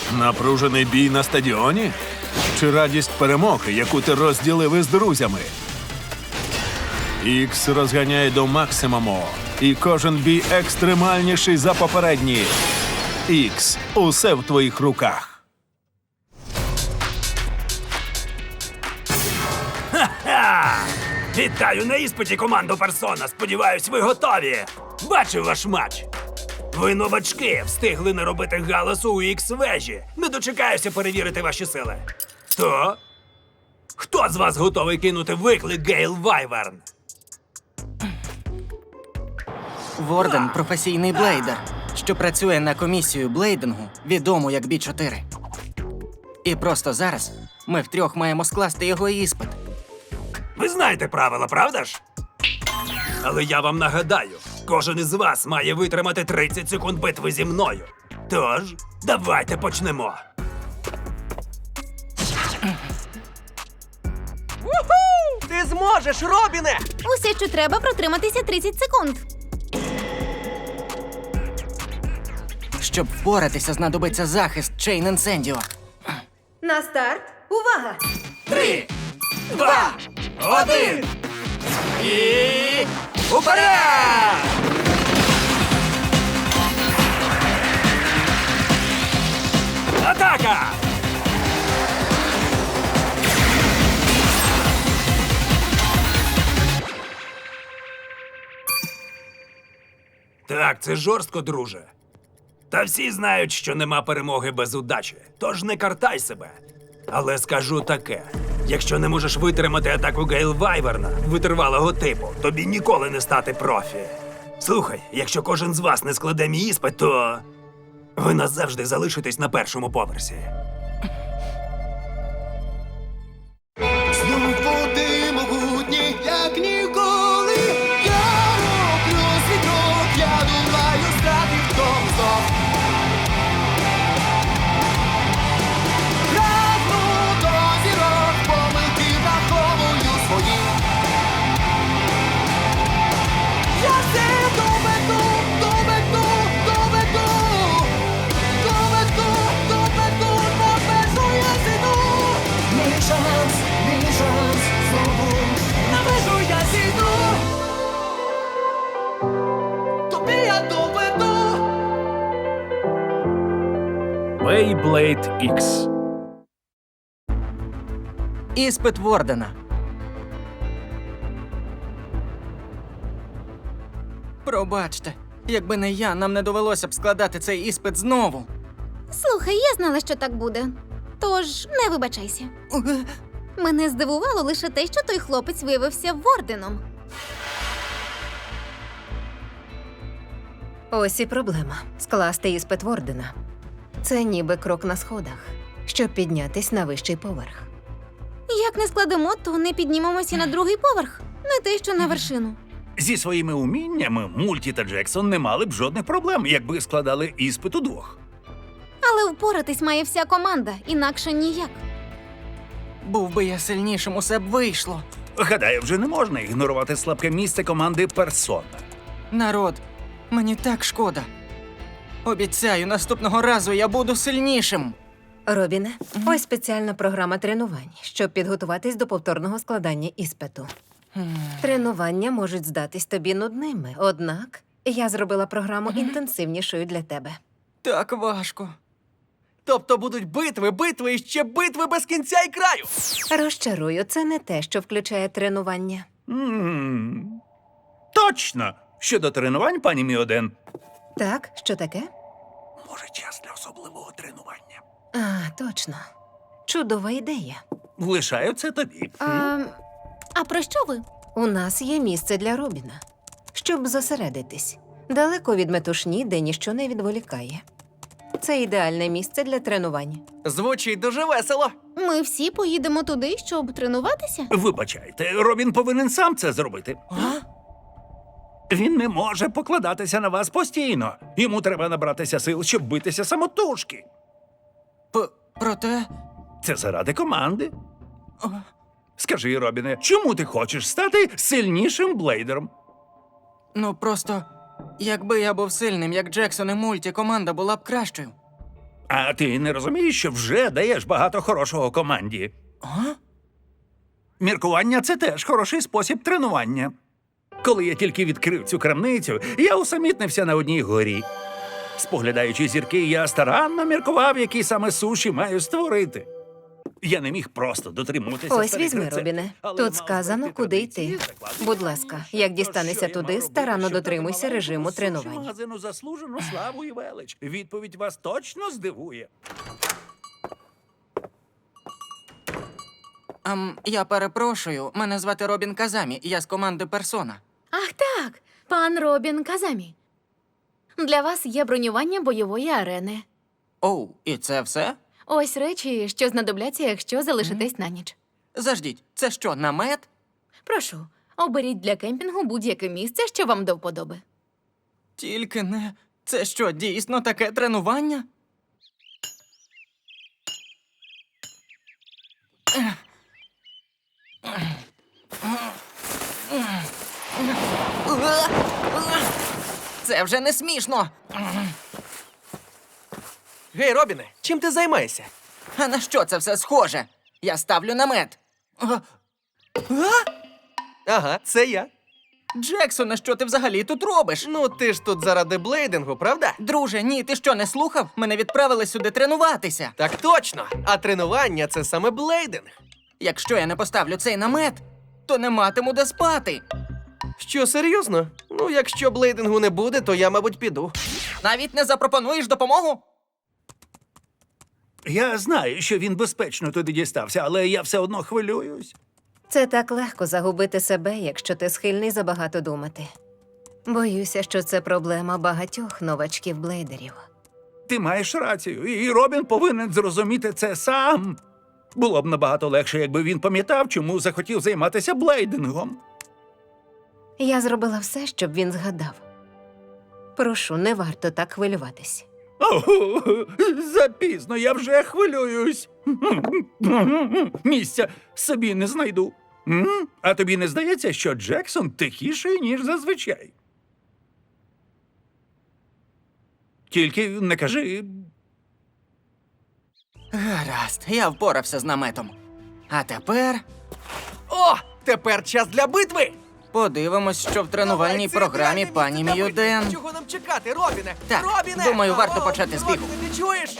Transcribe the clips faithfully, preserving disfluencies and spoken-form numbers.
Напружений бій на стадіоні? Чи радість перемоги, яку ти розділив із друзями? Ікс розганяє до максимуму, і кожен бій екстремальніший за попередній. Ікс, усе в твоїх руках. Ха! Вітаю на іспиті, команду Персона! Сподіваюсь, ви готові! Бачив ваш матч! Ви новачки, встигли не робити галасу у Ікс-вежі. Не дочекаюся перевірити ваші сили. То? Хто з вас готовий кинути виклик Гейл Вайверн? Ворден – професійний блейдер, що працює на комісію блейдингу, відому як Бі чотири. І просто зараз ми втрьох маємо скласти його іспит. Ви знаєте правила, правда ж? Але я вам нагадаю, кожен із вас має витримати тридцять секунд битви зі мною. Тож, давайте почнемо. Ти зможеш, Робіне! Усе, що треба, протриматися тридцять секунд. Щоб впоратися, знадобиться захист Чейн Інсендіо. На старт. Увага! Три, два, один! І... уперед! Атака! Так, це жорстко, друже. Та всі знають, що нема перемоги без удачі, тож не картай себе. Але скажу таке: якщо не можеш витримати атаку Гейл Вайверна, витривалого типу, тобі ніколи не стати профі. Слухай, якщо кожен з вас не складе мій іспит, то ви назавжди залишитесь на першому поверсі. Знов води могутні, як ніколи. Я роблю свій крок, я думаю, стати в тому знов. Прагну до зірок, помилки враховую свої. Я все доведу, доведу, доведу. Доведу, доведу, на межу я зійду. Мій шанс, мій шанс, знову на межу я зійду. Тобі я доведу. Beyblade Ікс. Іспит Вордена. Пробачте, якби не я, нам не довелося б складати цей іспит знову. Слухай, я знала, що так буде. Тож не вибачайся. Мене здивувало лише те, що той хлопець виявився Ворденом. Ось і проблема – скласти іспит Вордена. Це ніби крок на сходах, щоб піднятись на вищий поверх. Як не складемо, то не піднімемося на другий поверх. Не те, що на вершину. Зі своїми уміннями Мульті та Джексон не мали б жодних проблем, якби складали іспит удвох. Але впоратись має вся команда, інакше ніяк. Був би я сильнішим, усе б вийшло. Гадаю, вже не можна ігнорувати слабке місце команди Персона. Народ, мені так шкода. Обіцяю, наступного разу я буду сильнішим. Робіне, ось спеціальна програма тренувань, щоб підготуватись до повторного складання іспиту. Тренування можуть здатись тобі нудними, однак я зробила програму інтенсивнішою для тебе. Так важко. Тобто будуть битви, битви і ще битви без кінця і краю. Розчарую, це не те, що включає тренування. М-м. Точно! Щодо тренувань, пані Міоден. Так, що таке? Може, час для особливого тренування. А, точно. Чудова ідея. Лишаю це тобі. А, а про що ви? У нас є місце для Робіна, щоб зосередитись. Далеко від метушні, де ніщо не відволікає. Це ідеальне місце для тренувань. Звучить дуже весело. Ми всі поїдемо туди, щоб тренуватися? Вибачайте, Робін повинен сам це зробити. А? Він не може покладатися на вас постійно. Йому треба набратися сил, щоб битися самотужки. П- проте... Це заради команди. Скажи, Робіне, чому ти хочеш стати сильнішим блейдером? Ну, просто, якби я був сильним, як Джексон і Мульті, команда була б кращою. А ти не розумієш, що вже даєш багато хорошого команді? А? Міркування – це теж хороший спосіб тренування. Коли я тільки відкрив цю крамницю, я усамітнився на одній горі. Споглядаючи зірки, я старанно міркував, які саме суші маю створити. Я не міг просто дотримуватися Ось старих візьми, рецептів, Робіне. але Тут мав сказано, знайти куди традиції, йти. закладені Будь в ласка, основу. як То дістанешся що я туди, мав старанно робити, щоб дотримуйся дати режиму маленькому суші тренувань. магазину заслужену славу і велич. Відповідь вас точно здивує. Ам, я перепрошую, мене звати Робін Казамі, я з команди Персона. Ах так, пан Робін Казамі. Для вас є бронювання бойової арени. Оу, і це все? Ось речі, що знадобляться, якщо залишитесь на ніч. Заждіть, це що, намет? Прошу, оберіть для кемпінгу будь-яке місце, що вам до вподоби. Тільки не. Це що, дійсно таке тренування? Це вже не смішно. Гей, Робіне, чим ти займаєшся? А на що це все схоже? Я ставлю намет. А? Ага, це я. Джексоне, що ти взагалі тут робиш? Ну, ти ж тут заради блейдингу, правда? Друже, ні, ти що, не слухав? Мене відправили сюди тренуватися. Так точно. А тренування це саме блейдинг. Якщо я не поставлю цей намет, то не матиму де спати. Що, серйозно? Ну, якщо блейдингу не буде, то я, мабуть, піду. Навіть не запропонуєш допомогу? Я знаю, що він безпечно туди дістався, але я все одно хвилююсь. Це так легко загубити себе, якщо ти схильний забагато думати. Боюся, що це проблема багатьох новачків-блейдерів. Ти маєш рацію, і Робін повинен зрозуміти це сам. Було б набагато легше, якби він пам'ятав, чому захотів займатися блейдингом. Я зробила все, щоб він згадав. Прошу, не варто так хвилюватись. О, запізно, я вже хвилююсь. Місця собі не знайду. М? А тобі не здається, що Джексон тихіший, ніж зазвичай? Тільки не кажи. Гаразд, я впорався з наметом. А тепер О, тепер час для битви! подивимось, що в тренувальній Давай, це програмі ідеальне пані місце для Міюден. битви. Чого нам чекати, Робіне? Так, Робіне! думаю, варто О, почати з бігу. Робіне, ти чуєш?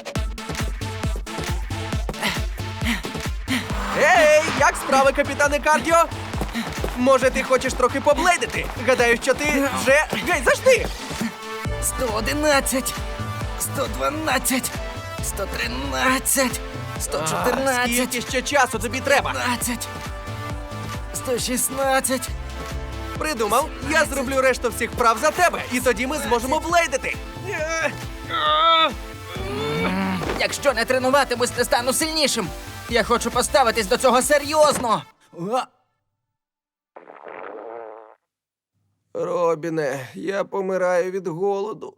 Ей, як справи, капітане Кардіо? Може, ти хочеш трохи поблейдити? Гадаю, що ти вже... Гей, завжди! сто одинадцять, сто дванадцять, сто тринадцять, сто чотирнадцять, Скільки ще часу тобі треба? п'ятнадцять, сто шістнадцять. Придумав, я зроблю решту всіх вправ за тебе, і тоді ми зможемо блейдити. Якщо не тренуватимусь, не стану сильнішим. Я хочу поставитись до цього серйозно. А! Робіне, я помираю від голоду.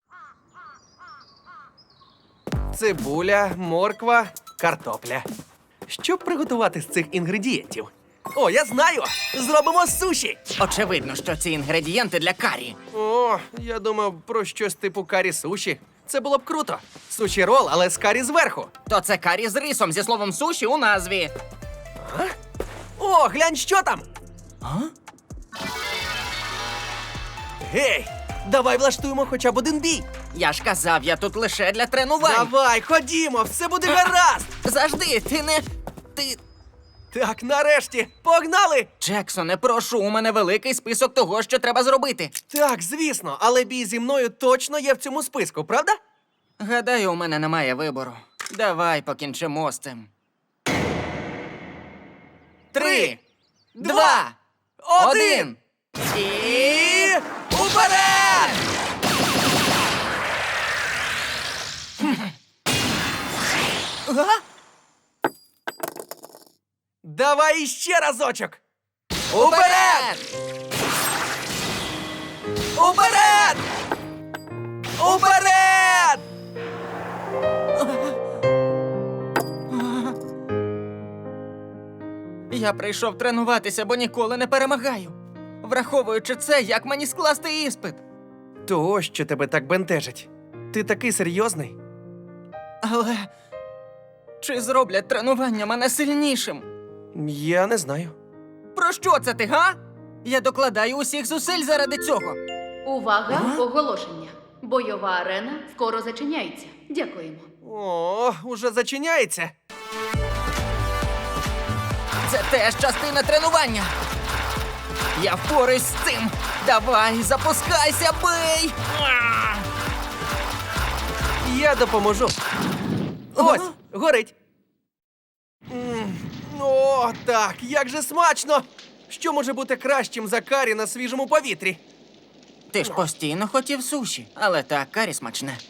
Цибуля, морква, картопля. Що приготувати з цих інгредієнтів? О, я знаю! Зробимо суші! Очевидно, що ці інгредієнти для карі. О, я думав про щось типу карі суші. Це було б круто. Суші рол, але з карі зверху. То це карі з рисом зі словом суші у назві. О, глянь, що там! А? Гей, давай влаштуємо хоча б один бій. Я ж казав, я тут лише для тренувань. Давай, ходімо, все буде гаразд. Завжди, ти не. Ти. Так, нарешті, погнали! Джексоне, прошу, у мене великий список того, що треба зробити. Так, звісно, але бій зі мною точно є в цьому списку, правда? Гадаю, у мене немає вибору. Давай покінчимо з цим. Три, два, один. І уперед! Ага. Давай іще разочок! Уперед! Уперед! Уперед! Я прийшов тренуватися, бо ніколи не перемагаю. Враховуючи це, як мені скласти іспит? То ось що тебе так бентежить. Ти такий серйозний. Але чи зроблять тренування мене сильнішим? Я не знаю. Про що це ти, га? Я докладаю усіх зусиль заради цього. Увага, оголошення. Бойова арена скоро зачиняється. Дякуємо. О, уже зачиняється. Це теж частина тренування. Я впораюсь з цим. Давай, запускайся, бий! А! Я допоможу. Ось, горить. М, О, так, як же смачно! Що може бути кращим за карі на свіжому повітрі? Ти ж постійно хотів суші, але так, карі смачне.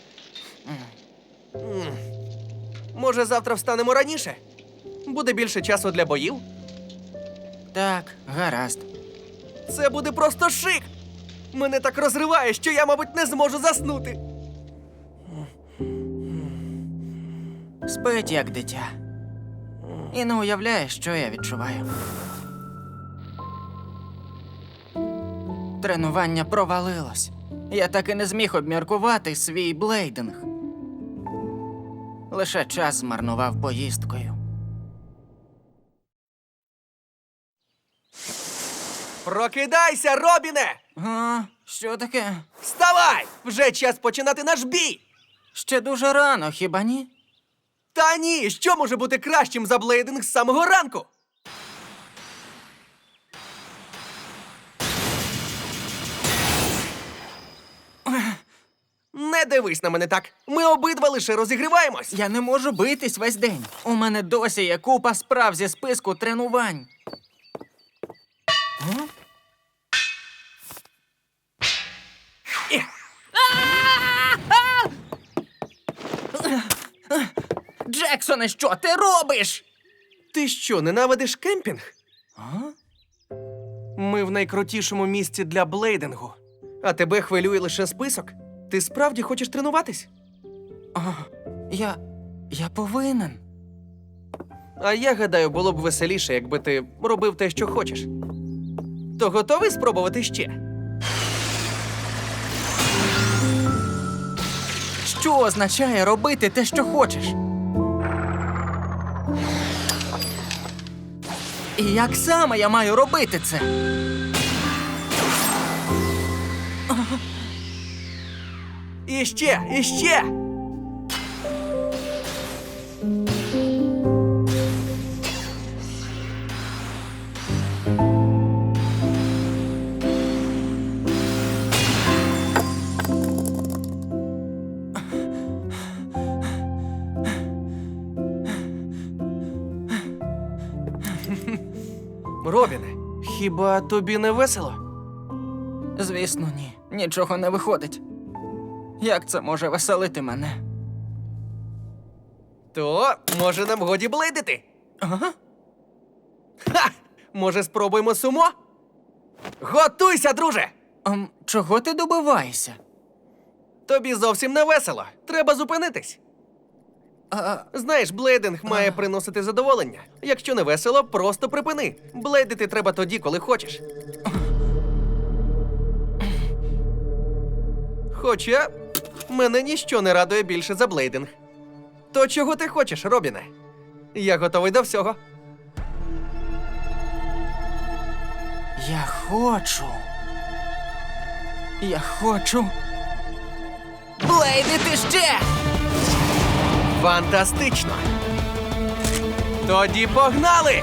Може, завтра встанемо раніше? Буде більше часу для боїв? Так, гаразд. Це буде просто шик! Мене так розриває, що я, мабуть, не зможу заснути. Спить як дитя. І не уявляє, що я відчуваю. Тренування провалилось. Я так і не зміг обміркувати свій блейдинг. Лише час змарнував поїздкою. Прокидайся, Робіне! А, що таке? Вставай! Вже час починати наш бій! Ще дуже рано, хіба ні? Та ні, що може бути кращим за блейдинг з самого ранку? Не дивись на мене так. Ми обидва лише розігріваємось. Я не можу битись весь день. У мене досі є купа справ зі списку тренувань. Е, Джексоне, що ти робиш? Ти що, ненавидиш кемпінг? Ми в найкрутішому місці для блейдингу. А тебе хвилює лише список? Ти справді хочеш тренуватись? А, я. я повинен. А я гадаю, було б веселіше, якби ти робив те, що хочеш. То готовий спробувати ще? Що означає робити те, що хочеш? І як саме я маю робити це? І ще, і ще! Робіне, хіба тобі не весело? Звісно, ні. Нічого не виходить. Як це може веселити мене? То, може, нам годі блейдити? Ага. Ха! Може, спробуємо сумо? Готуйся, друже! Ем, чого ти добиваєшся? Тобі зовсім не весело. Треба зупинитись. А, Знаєш, блейдинг має приносити задоволення. Якщо не весело, просто припини. Блейдити треба тоді, коли хочеш. Хоча мене ніщо не радує більше за блейдинг. То чого ти хочеш, Робіне? Я готовий до всього. я хочу. Я хочу. Блейдити ще! Фантастично! Тоді погнали!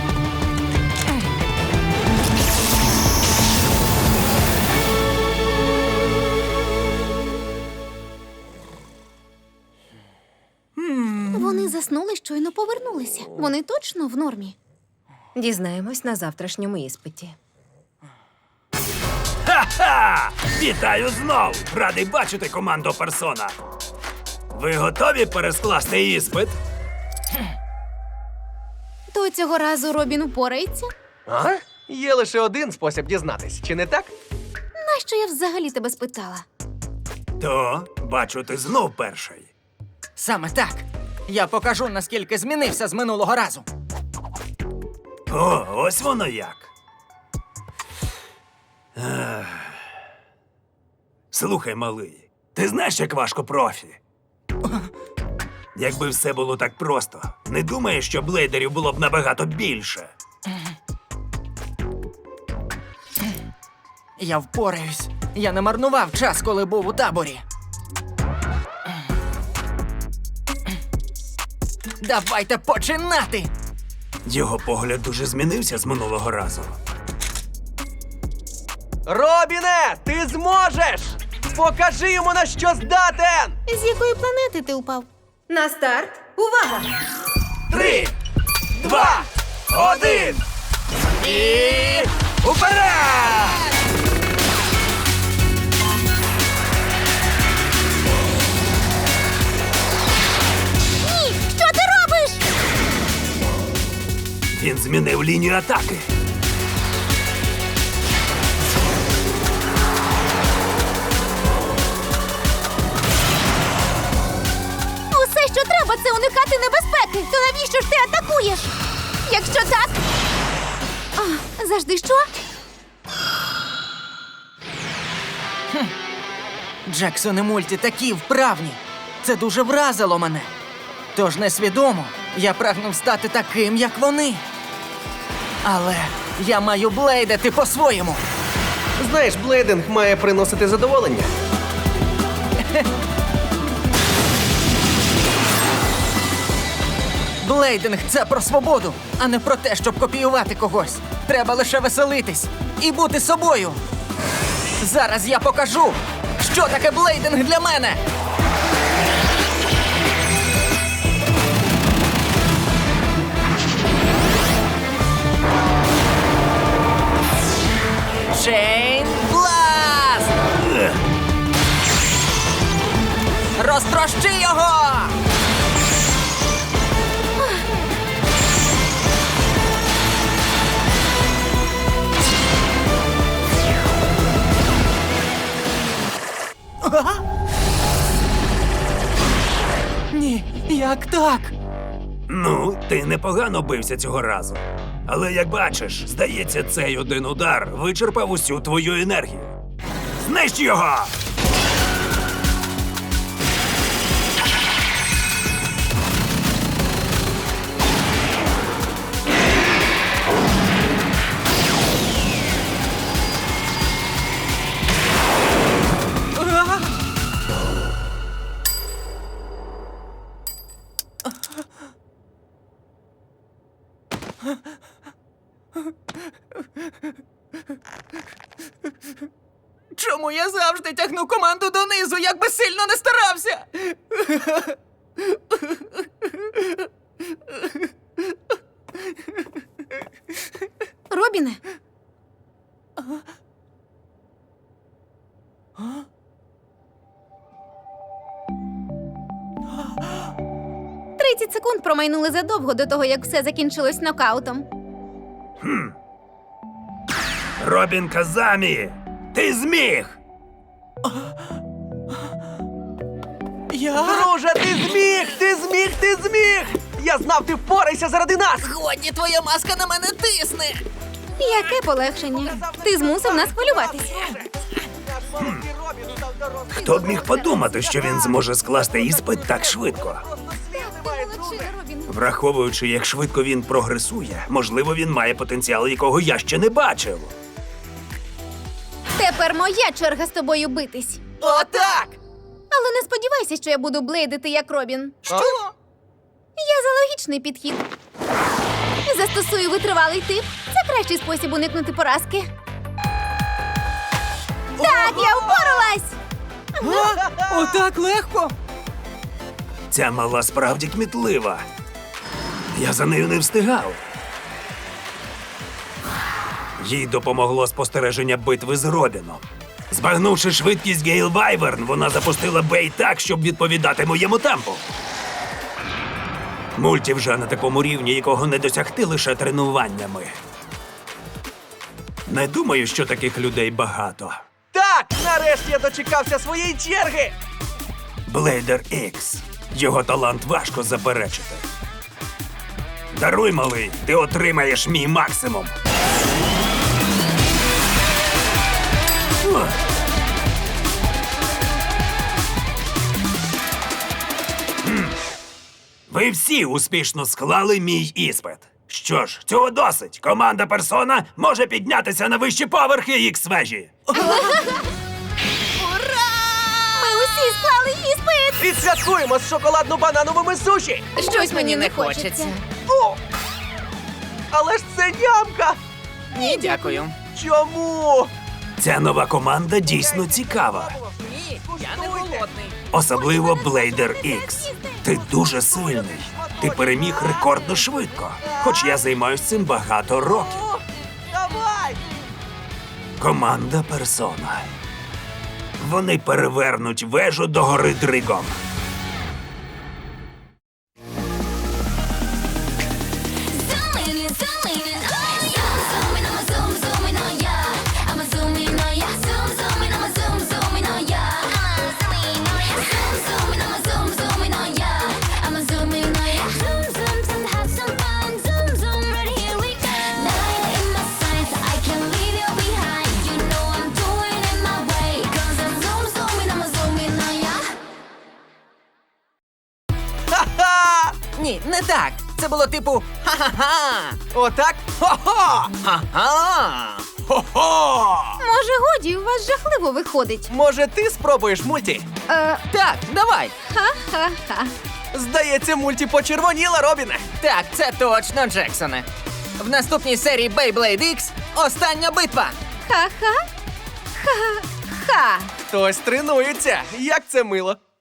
Вони заснули, щойно повернулися. Вони точно в нормі. Дізнаємось на завтрашньому іспиті. Ха-ха! Вітаю знову! Радий бачити команду Персона. Ви готові перескласти іспит? То цього разу Робін впорається? А? Є лише один спосіб дізнатись, чи не так? Нащо я взагалі тебе спитала? То, бачу, ти знов перший. Саме так. Я покажу, наскільки змінився з минулого разу. О, ось воно як. Ех. Слухай, малий, ти знаєш, як важко профі? Якби все було так просто, не думаєш, що блейдерів було б набагато більше? Я впораюсь. Я не марнував час, коли був у таборі. Давайте починати! Його погляд дуже змінився з минулого разу. Робіне, ти зможеш! Покажи йому, на що здатен! З якої планети ти упав? На старт! Увага! Три, два, один! І уперед! Ні! Що ти робиш? Він змінив лінію атаки. Усе, що треба, це уникати небезпеки. То навіщо ж ти атакуєш? Якщо так. А, завжди що? Джексон і Мульті такі вправні. Це дуже вразило мене. Тож несвідомо я прагнув стати таким, як вони. Але я маю блейдити по-своєму. Знаєш, блейдинг має приносити задоволення. Блейдинг – це про свободу, а не про те, щоб копіювати когось. Треба лише веселитись і бути собою. Зараз я покажу, що таке блейдинг для мене. Чейн Бласт! Розтрощи його! Ні, як так? Ну, ти непогано бився цього разу. Але як бачиш, здається, цей один удар вичерпав усю твою енергію. Знищ його! Чому я завжди тягну команду донизу, як би сильно не старався? Робіне? Тридцять секунд промайнули задовго до того, як все закінчилось нокаутом. Робін Казамі! Ти зміг! Я? Друже, ти зміг! Ти зміг! Ти зміг! Я знав, ти впорайся заради нас! Годі, твоя маска на мене тисне! Яке полегшення. Ти змусив нас хвилюватися. Наш маленький Робін став дорослим. Хто б міг подумати, що він зможе скласти іспит так швидко? Просто слів немає, друже. Враховуючи, як швидко він прогресує, можливо, він має потенціал, якого я ще не бачив. Тепер моя черга з тобою битись. Отак! Але не сподівайся, що я буду блейдити як Робін. Що? Я за логічний підхід. Застосую витривалий тип. Це кращий спосіб уникнути поразки. Так, я впоралась! Отак легко? Ця мала справді кмітлива. Я за нею не встигав. Їй допомогло спостереження битви з Робіном. Збагнувши швидкість Гейл Вайверн, вона запустила бей так, щоб відповідати моєму темпу. Мульті вже на такому рівні, якого не досягти лише тренуваннями. Не думаю, що таких людей багато. Так, нарешті я дочекався своєї черги! Блейдер Ікс. Його талант важко заперечити. Даруй, малий, ти отримаєш мій максимум. Ух. М. Ви всі успішно склали мій іспит. Що ж, цього досить. Команда Персона може піднятися на вищі поверхи ікс-вежі. Ми усі склали іспит! Відсвяткуємо з шоколадно-банановими суші! Щось мені не хочеться. О! Але ж це нямка! Ні, дякую. Чому? Ця нова команда дійсно цікава. Ні, я не голодний. Особливо Блейдер Ікс. Ти дуже сильний. Ти переміг рекордно швидко. Хоч я займаюся цим багато років. О, давай! Команда Персона. Вони перевернуть вежу до гори Дригом. Ха-ха! Ні, не так. Це було типу ха-ха-ха. Отак? Хо-хо! Ха-ха. Хо-хо! Може, годі, у вас жахливо виходить. Може, ти спробуєш мульті? Е, Так, давай. ха-ха-ха. Здається, мульті почервоніла, Робіне. Так, це точно, Джексоне. В наступній серії Beyblade X остання битва. Ха-ха. Ха-ха. Хтось тренується. Як це мило.